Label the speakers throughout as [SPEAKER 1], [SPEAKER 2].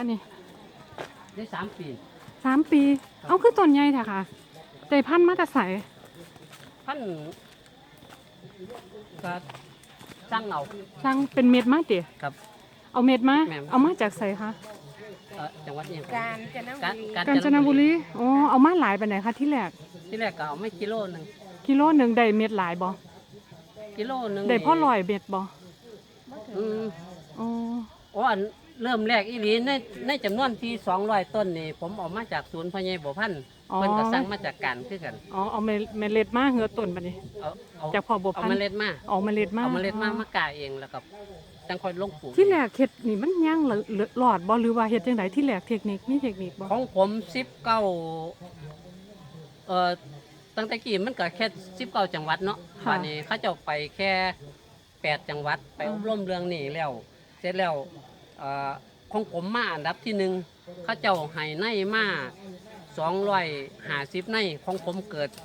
[SPEAKER 1] นี่
[SPEAKER 2] ได้3 ปี
[SPEAKER 1] 3 ปีเอาคือต้นใหญ่แท้ค่ะได้พันธุ์มาแต่ไส
[SPEAKER 2] พันก็สร้างเอา
[SPEAKER 1] สร้างเป็นเม็ดมาติ
[SPEAKER 2] ครับ
[SPEAKER 1] เอาเม็ดมาเอามาจากไสคะ
[SPEAKER 2] จังหวัดนี้
[SPEAKER 3] กาญจนบุรี
[SPEAKER 1] กาญจนบุรีอ๋อเอามาหลายปานใดคะที่แรก
[SPEAKER 2] ก็เอาไม่กิโลนึง
[SPEAKER 1] ได้เม็ดหลายบ่
[SPEAKER 2] กิโลนึง
[SPEAKER 1] ได้พอ100เม็ดบ่
[SPEAKER 2] อ๋ออันเริ่มแรกอีหลีในจำนวนที่200ต้นนี่ผมเอามาจากศูนย์พญายบ่พันเพิ่นก็สั่งมาจากการคือกัน
[SPEAKER 1] เอาเมล็ดมาเหือต้นบัดนี้จากพ่อบ่พัน
[SPEAKER 2] เอาเมล็ดมามากาเองแล้วก็จังค่อยลงปลูก
[SPEAKER 1] ที่แรกเฮ็ดนี่มันยังหลอดบ่หรือว่าเฮ็ดจังได๋ที่แรกเทคนิคมีเทคนิคบ่
[SPEAKER 2] ของผมตั้งแต่กี้มันก็แค่19จังหวัดเนาะตอนนี้เขาเจ้าไปแค่8จังหวัดไปอบรมเรื่องนี้แล้วเสร็จแล้วของผมมาอันดับที่1เขาเจ้าให้ในมา250ในของผมเกิด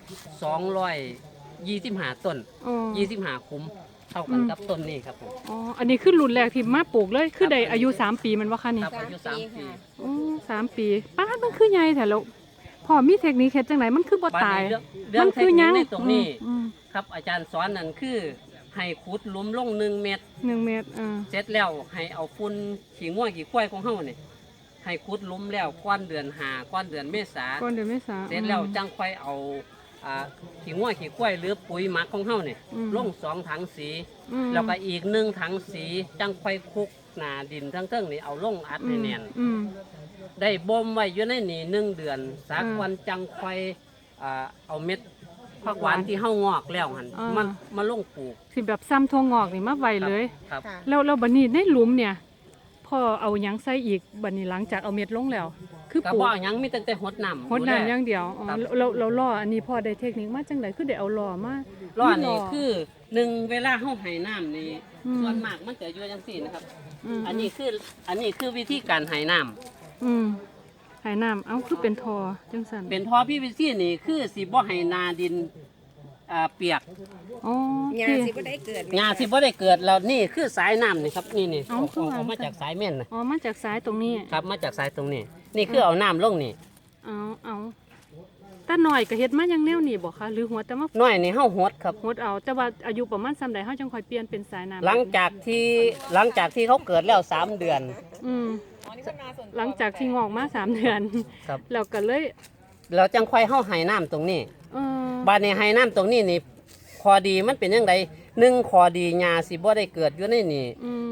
[SPEAKER 2] 225ต้น25คุ้มเท่ากันกับต้นนี้ครับผม
[SPEAKER 1] อ๋ออันนี้คือรุ่นแรกที่มาปลูกเลยคือได้อายุ3 ปีมันว่าคะนี่
[SPEAKER 2] ครับอายุ3 ปี
[SPEAKER 1] อ๋อ3 ปีป้ามันคือใหญ่แท้แล้วพ่อมีเทคนิคเฮ็ดจังไดมันคือบ่ตาย
[SPEAKER 2] มันคือหยังในตรงนี้ครับอาจารย์สอนนั่นคือให้ขุดหลุมลง1 เมตรเสร็จแล้วให้เอาฝุ่นขี้งัวขี้ควายของเฮานี่ให้ขุดหลุมแล้วก้อนเดือน5ก้อนเดือนเมษาเสร็จแล้วจังค่อยเอาขี้งัวขี้ควายหรือปุ๋ยหมักของเฮานี่ลง2 ถังสีแล้วก็อีก1 ถังสีจังค่อยคลุกหน้าดินทั้งเทิงนี่เอาลงอัดให้แน่นได้บ่มไว้อยู่ในนี่1 เดือนสักวันจังค่อยเอาเม็ดผักหวานที่เฮางอกแล้วหั่นมาลงปลูก
[SPEAKER 1] สิแบบซ้ำทั่วงอกนี่มาไว้เลย
[SPEAKER 2] ครับ
[SPEAKER 1] แล้วบัดนี้ในหลุมเนี่ยพ่อเอาหยังใส่อีกบัดนี้หลังจากเอาเม็ดลงแล้ว
[SPEAKER 2] คือปลูกบ่หยังมีตั้งแต่หดน้ำ
[SPEAKER 1] อย่างเดียวเราล่ออันนี้พ่อได้เทคนิคมาจังได๋คือได้เอาล่อมา
[SPEAKER 2] ล่อนี่คือ1เวลาเฮาให้น้ำนี่ส่วนมากมันจะอยู่จังซี่นะครับอันนี้คือวิธีการให้น้ำ
[SPEAKER 1] ให้น้ำเอาคือเป็นทอจังซั่น
[SPEAKER 2] เป็นทอPVCนี่คือสิบ่ให้นาดินเปียก
[SPEAKER 3] หญ้าสิบ่ได้เกิด
[SPEAKER 2] แล้วนี่คือสายน้ำนี่ครับนี่ออกมาจากสายแม่นนะ
[SPEAKER 1] มาจากสายตรงนี้
[SPEAKER 2] ครับมาจากสายตรงนี้นี่คือเอาน้ำลงนี่
[SPEAKER 1] เอาแต่หน่อยก็เฮ็ดมาอย่างแนวนี้บ่คะหรือหัวแต่มา
[SPEAKER 2] น้อยนี่เฮาหดครับ
[SPEAKER 1] หดเอาแต่ว่าอายุประมาณส่ำใดเฮาจังค่อยเปลี่ยนเป็นสายน้ำ
[SPEAKER 2] หลังจากที่เขาเกิดแล้ว3 เดือน
[SPEAKER 1] หลังจากที่งอกมา3 เดือนแล้วก็เลย
[SPEAKER 2] เราจังค่อยเฮาให้น้ำตรงนี้บัดนี้ให้น้ำตรงนี้นี่คอดีมันเป็นจังได1คอดีหญ้าสิบ่ได้เกิดอยู่ในนี่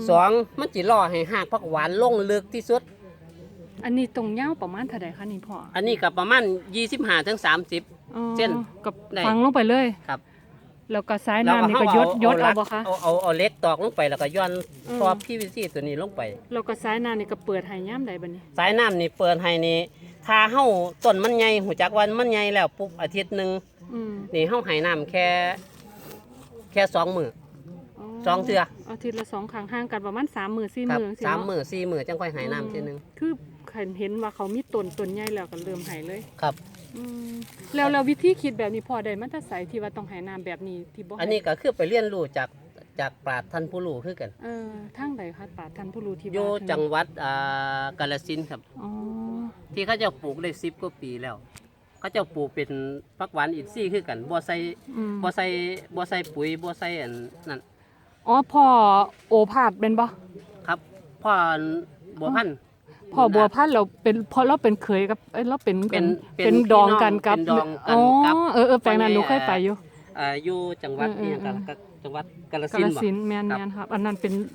[SPEAKER 2] 2มันสิรอให้รากผักหวานลงลึกที่สุด
[SPEAKER 1] อันนี้ตรงยาวประมาณเท่าใดคะนี่พ่อ
[SPEAKER 2] อันนี้ก็ประมาณ25 ถึง 30เส้น
[SPEAKER 1] กับฝังลงไปเลย
[SPEAKER 2] ครับ
[SPEAKER 1] แล้วก็สายน้ำนี่ก็ยดเอาบ่คะ
[SPEAKER 2] เอาเล็กตอกลงไปแล้วก็ย้อนทอ PVC ตัวนี้ลงไป
[SPEAKER 1] แล้วก็สายน้ำนี่ก็เปิดให้ยามใดบัดนี้
[SPEAKER 2] สายน้ำนี่เปิดให้นี่ถ้าเฮาต้นมันใหญ่หูจักว่ามันใหญ่แล้วปุ๊บอาทิตย์นึงนี่เฮาให้น้ำแค่2 มื้อ2 เทื่อ
[SPEAKER 1] อาทิตย์ละ2 ครั้งห่างกันประมาณ3 มื้อ4 มื้อ
[SPEAKER 2] จังซี่3 มื้อ4 มื้อจังค่อยให้น้ำทีนึง
[SPEAKER 1] คือเห็นว่าเขามีต้นใหญ่แล้วก็เริ่มให้เลย
[SPEAKER 2] ครับ
[SPEAKER 1] แล้ววิธีคิดแบบนี้พอได้มันจะใส่ที่ว่าต้องให้น้ำแบบนี้ที่บ่
[SPEAKER 2] อันนี้ก็คือไปเรียนรู้จากปราชญ์ท่านผู้รู้คือกัน
[SPEAKER 1] ทางใดคะปราชญ์ท่านผู้รู้ที่
[SPEAKER 2] อยู่จังหวัดกาฬสินธุ์ครับที่เขาจะปลูกได้10 กว่าปีแล้วเขาจะปลูกเป็นผักหวานอินทรีย์คือกันบ่ใส่ปุ๋ยบ่ใส่อันนั่น
[SPEAKER 1] พ่อโอภาสเป็นบ่
[SPEAKER 2] ครับพ่อบัวพันธุ์
[SPEAKER 1] พ่อบัวพันธุ์เราเป็นเพราะเราเป็นเคยกับเราเป็นดองกันกับแปลงนั้นหนูเคยไป
[SPEAKER 2] อยู่จังหวัดนี่กันจังหวัดกาฬสินธุ์
[SPEAKER 1] แม่นครับอันนั้น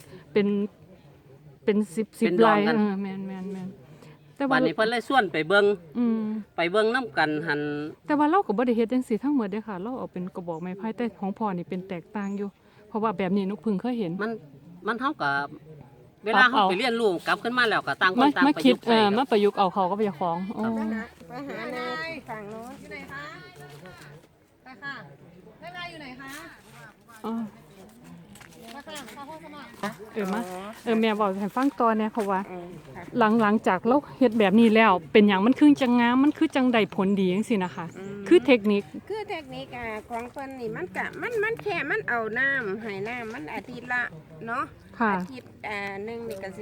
[SPEAKER 1] เป็น10ไร่แม่น
[SPEAKER 2] แต่วันนี้เพิ่นเลยส่วนไปเบิ่งนำกันหั่น
[SPEAKER 1] แต่ว่าเราก็บ่ได้เฮ็ดจังซี่ทั้งหมดเด้อค่ะเราเอาเป็นกระบอกไม้ไผ่แต่ของพ่อนี่เป็นแตกต่างอยู่เพราะว่าแบบนี้นกพึ่งเคยเห็น
[SPEAKER 2] มันเท่ากับเวลาเฮาไปเรียนรู้กลับขึ้นมาแล้วก็ต่างคนต่างประยุกต์
[SPEAKER 1] มาประยุกต์เอาเขาก็ไปของ
[SPEAKER 3] ไปหาในฝั่งโน้น
[SPEAKER 4] อยู่ไหนคะไปค่ะแม่นายอยู่ไหนคะมาค่ะข้าวโพดสมัคร
[SPEAKER 1] แม่บอกให้ฟังต่อเนี่ยเพราะว่าหลังจากเราเฮ็ดแบบนี้แล้วเป็นอย่างมันคือจังงามมันคือจังได้ผลดีจังซี่นะคะคือเทคนิค
[SPEAKER 3] ของเพิ่นนี่มันแค่มันเอาน้ำให้น้ำมันอาทิตย์ละเนาะอาทิตย์นึงนี่ก็สิ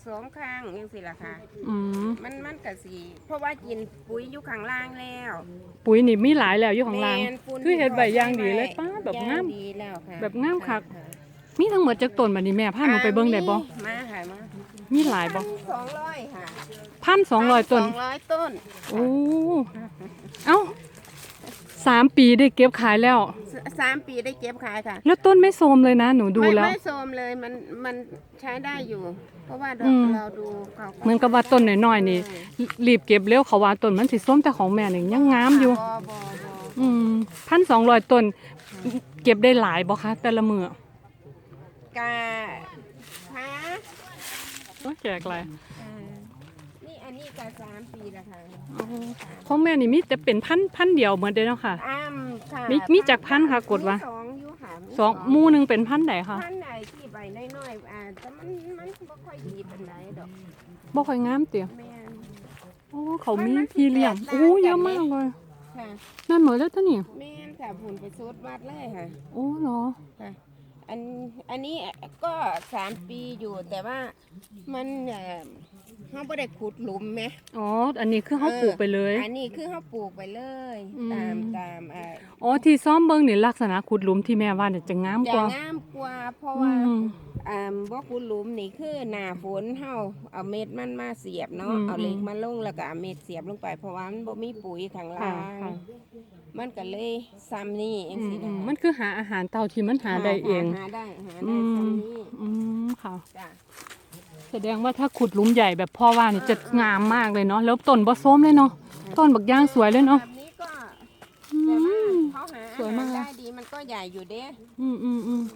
[SPEAKER 3] 2ครั้งจังซี่ล่ะค่ะ
[SPEAKER 1] อืม
[SPEAKER 3] มันก็สิเพราะว่ากินปุ๋ยอยู่ข้างล่างแล้ว
[SPEAKER 1] ปุ๋ยนี่มีหลายแล้วอยู่ข้างล่าง
[SPEAKER 3] แม่นปูน
[SPEAKER 1] คือเฮ็ดใบอย่างดีเลย
[SPEAKER 3] ที่
[SPEAKER 1] ป้าแบบ
[SPEAKER 3] ย่
[SPEAKER 1] งาม
[SPEAKER 3] ดีแล้วค่ะ
[SPEAKER 1] แบบงามคัก มีทั้งหมดจักต้นบัดนี้แม่พาหนูไปเบิ่งได้บ่
[SPEAKER 3] มาค่ะมา
[SPEAKER 1] มีหลายบ่
[SPEAKER 3] 200ค่ะ
[SPEAKER 1] 1,200 ต้น
[SPEAKER 3] 200ต้น
[SPEAKER 1] โอ้เอ้า3 ปีได้เก็บขายแล้ว
[SPEAKER 3] 3 ปีได้เก็บขายค่ะ
[SPEAKER 1] แล้วต้นไม่โทรมเลยนะหนูดูแล้ว
[SPEAKER 3] ไม่โทรมเลยมันใช้ได้อยู่ เพราะว่า
[SPEAKER 1] อืม
[SPEAKER 3] เราดูเขา
[SPEAKER 1] เหมือนกับว่าต้นน้อยๆนี่รีบเก็บเร็วเขาว่าต้นมันสิส้มแต่ของแม่นี่ยังงามอยู่
[SPEAKER 3] บ่
[SPEAKER 1] อืม1,200 ต้น เก็บได้หลายบ่คะแต่ละมื้อก
[SPEAKER 3] าค่ะ
[SPEAKER 1] โอ้ยแจกหลาย
[SPEAKER 3] นี่อันนี้ก็3 ปีแล้วค่ะ
[SPEAKER 1] อ๋อของแม่นี่มีแต่เป็นพันเดียวเหมือนเดิมเนาะค่ะ
[SPEAKER 3] ค่ะ
[SPEAKER 1] มีจักพันค่ะกดว่า
[SPEAKER 3] มีสองอยู่ค่ะมี
[SPEAKER 1] สองหมู่หนึงเป็นพันใดคะ
[SPEAKER 3] พันไหนที่ใบน้อยๆแต่มันบ่ค่อยดีปานใดดอก
[SPEAKER 1] บ่ค่อยงามเตีย
[SPEAKER 3] แม่น
[SPEAKER 1] โอ้เขามีพี่เลี้ยงโอ้เยอะมากเลย
[SPEAKER 3] ค่ะ
[SPEAKER 1] นั่นเหมือนแล้วตัวนี่
[SPEAKER 3] แม่นค่ะผุนไปสูดวัดเลยค่ะ
[SPEAKER 1] โอ้เหรอ
[SPEAKER 3] ค่ะอันนี้ก็3 ปีอยู่แต่ว่ามันเขาไม่ได้ขุดหลุมไหม
[SPEAKER 1] อ๋ออันนี้คือเขาปลูกไปเลย
[SPEAKER 3] อันนี้คือเขาปลูกไปเลย
[SPEAKER 1] อืม
[SPEAKER 3] ตาม
[SPEAKER 1] อ๋อที่ซ้อมเบิ่งนี่ลักษณะขุดหลุมที่แม่ว่าเนี่ยจะงามก
[SPEAKER 3] จะ
[SPEAKER 1] ว่า
[SPEAKER 3] งามกว่าเพราะ
[SPEAKER 1] อื
[SPEAKER 3] ว่าม บ่ขุดหลุมนี่คือหน้าฝนเฮาเอาเม็ดมันมาเสียบเนาะ
[SPEAKER 1] อืม
[SPEAKER 3] เอาเหล็กมาลงแล้วก็เอาเม็ดเสียบลงไปเพราะว่ามันบ่มีปุ๋ยข้าง
[SPEAKER 1] ค่ะ
[SPEAKER 3] ล่าง
[SPEAKER 1] ค่ะ
[SPEAKER 3] มันก็เลยซ้ำนี่เองสิ
[SPEAKER 1] อื
[SPEAKER 3] นะ
[SPEAKER 1] ม
[SPEAKER 3] คะ
[SPEAKER 1] มันคือหาอาหารเต่าที่มันหาได้เอง
[SPEAKER 3] หาได้
[SPEAKER 1] อืม
[SPEAKER 3] ซ้ำนี่
[SPEAKER 1] อืมค่ะ
[SPEAKER 3] จ้ะ
[SPEAKER 1] แสดงว่าถ้าขุดหลุมใหญ่แบบพ่อว่านี่จะงามมากเลยเนาะแล้วต้นบ่ส้มเลยเนาะต้นบักย่างสวยเลยเนาะ
[SPEAKER 3] แบบนี้ก็
[SPEAKER 1] อื
[SPEAKER 3] แต่ว่าม เขาหา
[SPEAKER 1] สวยมาก
[SPEAKER 3] ได้ดีมันก็ใหญ่อยู่เด้
[SPEAKER 1] อืม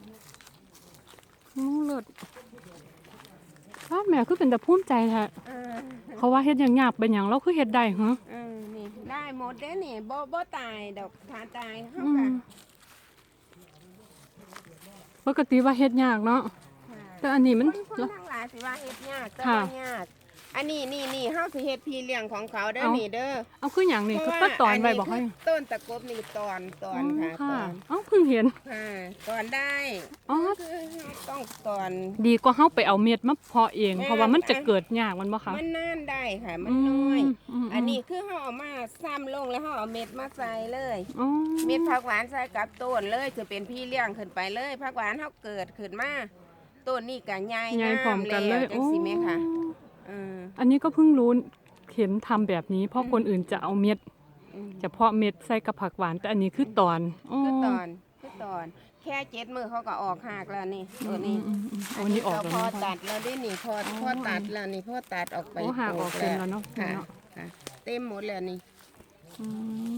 [SPEAKER 1] เลิศอ้าวแม่คือเป็นแต่ภูมิใจแท้
[SPEAKER 3] เออ
[SPEAKER 1] เขาว่าเฮ็ดหยังยากเป็นหยังเราคือเฮ็ดได้เหรอ
[SPEAKER 3] นี่ได้หมดเด้นี่บ่ตายดอกถ้าตายเฮา
[SPEAKER 1] อื
[SPEAKER 3] ก็
[SPEAKER 1] มปกติว่าเฮ็ดยากเนาะแต่อันนี้มัน
[SPEAKER 3] คนทั้งหลายสิว่าเฮ็ดยากแต่
[SPEAKER 1] ค่ะ
[SPEAKER 3] ว่ายากอันนี้เฮาสิเฮ็ดพี่เลี้ยงของเขาเด้อ
[SPEAKER 1] เอ้า
[SPEAKER 3] นี่เด้อ
[SPEAKER 1] เอาคือหยังนี่คือตัดตอนไว้บอกให้
[SPEAKER 3] คือต้นตะกบนี่ตอนค่ะ
[SPEAKER 1] อ๋อ
[SPEAKER 3] ตอน
[SPEAKER 1] เอ้าเพิ่งเห็น
[SPEAKER 3] ค่ะตอนได้
[SPEAKER 1] อ๋อ
[SPEAKER 3] คือต้องตอน
[SPEAKER 1] ดีกว่าเฮาไปเอาเม็ดมาเพาะเอง
[SPEAKER 3] แม่
[SPEAKER 1] เพราะว่ามันจะเกิดยากมันบ่คะ
[SPEAKER 3] มันนานได้ค่ะ มันน้อย
[SPEAKER 1] ม
[SPEAKER 3] อันนี้คือเขาเอามาซ้ำลงแล้วเขาเอาเม็ดมาใส่เลย
[SPEAKER 1] อ๋อ
[SPEAKER 3] เม็ดผักหวานใส่กับต้นเลยจะเป็นพี่เลี้ยงขึ้นไปเลยผักหวานเขาเกิดขึ้นมาต้นนี่ก็ใหญ่
[SPEAKER 1] ใหญ่พร้อมกันเลย
[SPEAKER 3] จังสิแม่ค่ะเออ
[SPEAKER 1] อันนี้ก็เพิ่งรู้เห็นทำแบบนี้ เพราะคนอื่นจะเอาเม็ด
[SPEAKER 3] อืม
[SPEAKER 1] จะเพาะเม็ดใส่กับผักหวานแต่อันนี้คือตอน
[SPEAKER 3] คือตอนแค่7 มื้อเขาก็ออกหากแล้วนี่ตัวนี้
[SPEAKER 1] อันนี้ออก
[SPEAKER 3] เรา
[SPEAKER 1] แล้ว
[SPEAKER 3] พอ
[SPEAKER 1] นะ
[SPEAKER 3] ตัดแล้วได้นี่พอตัดแล้วนี่พอตัดออกไป
[SPEAKER 1] โอ้หากออกเต็มแล้วเนาะ
[SPEAKER 3] ค่ะ
[SPEAKER 1] เนาะ
[SPEAKER 3] ค่ะเต็มหมดแล้วนี่
[SPEAKER 1] อืม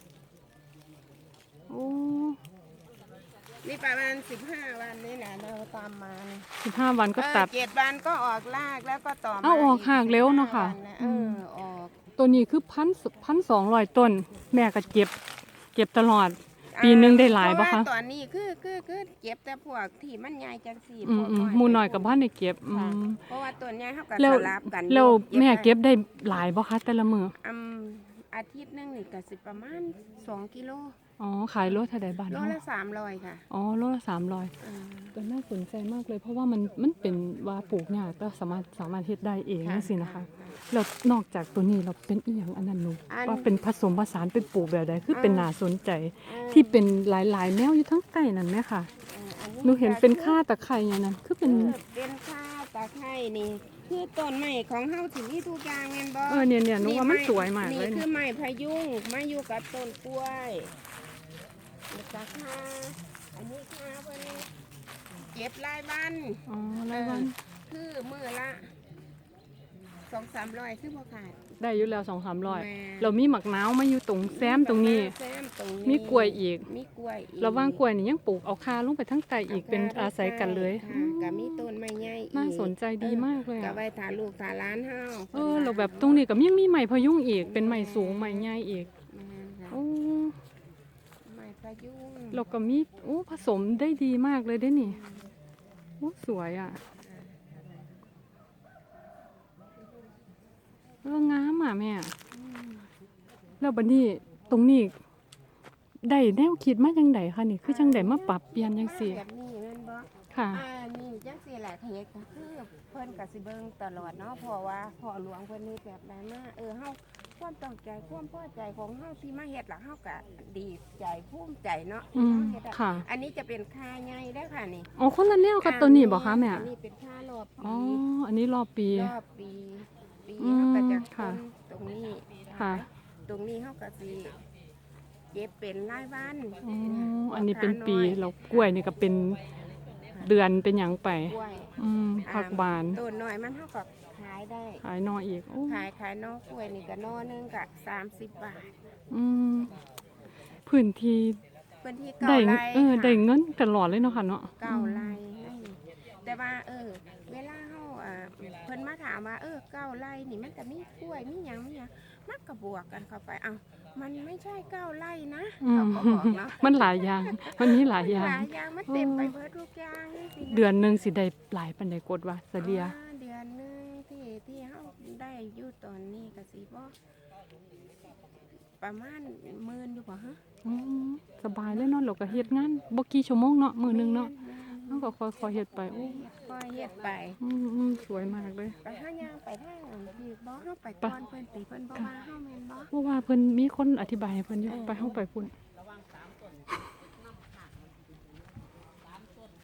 [SPEAKER 1] โอ้
[SPEAKER 3] นี่ประมาณ15 วันนี่แหละเราตามมานี่
[SPEAKER 1] 15 วันก็ตัด
[SPEAKER 3] 7 วันก็ออกรากแล้วก็ต่อมา
[SPEAKER 1] เอาออกหากเร็วเนาะค่ะ
[SPEAKER 3] 15วันออก
[SPEAKER 1] ตัวนี้คือ1,200 ต้น แม่ก็เก็บตลอด ปีหนึงได้หลายบ่
[SPEAKER 3] เพ
[SPEAKER 1] คะ
[SPEAKER 3] ระว่ตอนนี้คือเก็บแต่พวกที่มันใหญ่จังสี่
[SPEAKER 1] อืมหมูน้อยกับบ้านได้เก็บอื
[SPEAKER 3] ค่ะ
[SPEAKER 1] ม
[SPEAKER 3] เพราะว่าต้นใหญ่เขาก็
[SPEAKER 1] แล้ว
[SPEAKER 3] สลับกัน
[SPEAKER 1] แล้วแม่
[SPEAKER 3] ได้
[SPEAKER 1] เก็บได้หลายบ่คะแต่ละมื้อ
[SPEAKER 3] อาทิตย์หนึงนี่ก็สิประมาณ2 กิโล
[SPEAKER 1] อ๋อขายโลเท่าใดบาท
[SPEAKER 3] โล
[SPEAKER 1] เนาะ
[SPEAKER 3] ละ300ค่ะ
[SPEAKER 1] อ๋อโลละ300
[SPEAKER 3] เออ
[SPEAKER 1] ก็น่าสนใจมากเลย เพราะว่ามันเป็นว่าปลูกยากแต่สามารถเฮ็ดได้เองจังซี่นะคะแล้วนอกจากตัวนี้เราเป็นอีหยังอันนั้นหนูว่าเป็นผสมผสานเป็นปลูกแบบใดคือเป็นน่าสนใจ ที่เป็นหลายๆแนวอยู่ทั้งใต้นั่นแหมค่ะ
[SPEAKER 3] อั
[SPEAKER 1] หนูเห็นเป็นค่าตะไคร้อย่างนั้นคือเป็น
[SPEAKER 3] เป็นข้าตะไคร้นี่คือต้นไม้ของเฮาสิมีทุกอย่างแม่นบ่
[SPEAKER 1] เนี่ยหนูว่ามันสวยมากเลย
[SPEAKER 3] นี่คือไม้พะยุงมาอยู่กับต้นกล้วยนี่ตะคาอันนี้คาเพิ่นเก็บรายวัน
[SPEAKER 1] อ๋อรายวัน
[SPEAKER 3] คือมื้อละ200-300คือบ่ขาด
[SPEAKER 1] ได้อยู่แล้ว
[SPEAKER 3] แม่
[SPEAKER 1] 200-300เรามีหมักนาวมาอยู่ตรงแซมตรงนี้
[SPEAKER 3] แซมตรงนี้
[SPEAKER 1] มีกล้วยอีก
[SPEAKER 3] มีกล้วยอีก
[SPEAKER 1] ระหว่างกล้วยนี่ยังปลูกเอาคาลงไปทั้งใต้อีกเป็นอาศัยกันเลย
[SPEAKER 3] ค่ะก็มีต้นไม้ใหญ่อีก
[SPEAKER 1] น่าสนใจดีมากเลย
[SPEAKER 3] ก็
[SPEAKER 1] อะ
[SPEAKER 3] ไว้ถ่าลูกถ่าหลานเฮา
[SPEAKER 1] เราแบบตรงนี้ก็ยังมีไม้พะยุงอีกเป็นไม้สูงไม้ใหญ่อีก
[SPEAKER 3] แม่นค่ะ
[SPEAKER 1] โอ้
[SPEAKER 3] ไม้พะยุง
[SPEAKER 1] เราก็มีโอ้ผสมได้ดีมากเลยได้นี่โอ้สวยอ่ะแล้วงามอ่ะแม่แล้วบัดนี้ตรงนี้ได้แนวคิดมาจังไดคะนี่คือจังไดมาปรับเปลี่ยนจังซี่
[SPEAKER 3] แบบนี้แม่นบ่
[SPEAKER 1] ค่ะ
[SPEAKER 3] นี่จังซี่แหละขยกก็คือเพิ่นก็สิเบิ่งตลอดเนาะเพราะว่าพ่อหลวงเพิ่นเฮ็ดแบบใดมาเฮาความต้องใจความพอใจของเฮาที่มาเฮ็ดล่ะเฮาก็ดีใจภูมิใจเนาะที่เฮาเฮ็ดอะ
[SPEAKER 1] ค่ะ
[SPEAKER 3] อันนี้จะเป็นค่าใหญ่เด้อค่ะนี่
[SPEAKER 1] อ๋อคนละแนวกับตัวนี้บ่คะแม่
[SPEAKER 3] อันนี้เป็นค่ารอบ
[SPEAKER 1] อ๋อ
[SPEAKER 3] ปี
[SPEAKER 1] อันนี้รอบปี
[SPEAKER 3] รอบปี
[SPEAKER 1] อืม
[SPEAKER 3] เฮาก็จะ
[SPEAKER 1] ค่ะ
[SPEAKER 3] ตรงนี้
[SPEAKER 1] ค่ะ
[SPEAKER 3] ตรงนี้เฮาก็สิเก็บเป็นรายวัน
[SPEAKER 1] อ๋ออันนี้เป็นปีแล้วกล้วยนี่ก็เป็นเดือนเป็นหยังไป
[SPEAKER 3] กล้วย
[SPEAKER 1] ผักบาน
[SPEAKER 3] ต้นน้อยมันเฮาก็ขายได้
[SPEAKER 1] ขายนออีกโอ้
[SPEAKER 3] ขายนอกกล้วยนี่ก็นอนึงก็30 บาท
[SPEAKER 1] อืมพื้นที่
[SPEAKER 3] พื้นที่
[SPEAKER 1] ได้
[SPEAKER 3] เก่าไร่
[SPEAKER 1] ได้เงินตลอดเลยเนาะค่ะเนาะ
[SPEAKER 3] เก่าไร่นั่นแต่ว่าเวลาเฮาเพิ่นมาถามว่าเก่าไร่นี่มันก็มีกล้วยมีหยังมันก็บวกกันเข้าไปมันไม่ใช่9 ไร่นะ
[SPEAKER 1] อื
[SPEAKER 3] เขา
[SPEAKER 1] ม
[SPEAKER 3] ก็บอกเนาะ
[SPEAKER 1] มันหลายอย่าง มันมีหลายอย่าง
[SPEAKER 3] หลายอย่างมันเต็มไปเบิดทุกอย่างนี่สินะ
[SPEAKER 1] เดือนหนึงสิได้หลายปานใดกดว่าเสลีย
[SPEAKER 3] เดือนหนึงที่เฮาได้อยู่ตอนนี้ก็สิบ่ประมาณ10,000อยู่บ่ฮะ
[SPEAKER 1] อืมสบายเลยเนาะเราก็เฮ็ดงานบ่กี่ชั่วโมงเนาะมื้อหนึงเนาะ
[SPEAKER 3] แม่
[SPEAKER 1] เฮาก็ค่อยๆเฮ็ดไปโอ้
[SPEAKER 3] ค่อยเฮ็ดไป
[SPEAKER 1] สวยมากเลย
[SPEAKER 3] ไปหาย่างไปทางนั้นพี่บ่เฮาไปก่อนเพิ่นสิเพิ่นบ่ว่าเฮาแม่นบ่
[SPEAKER 1] เพราะว่าเพิ่นมีคนอธิบายให้เพิ่นอยู่ไปเฮาไปพุ่น
[SPEAKER 3] เ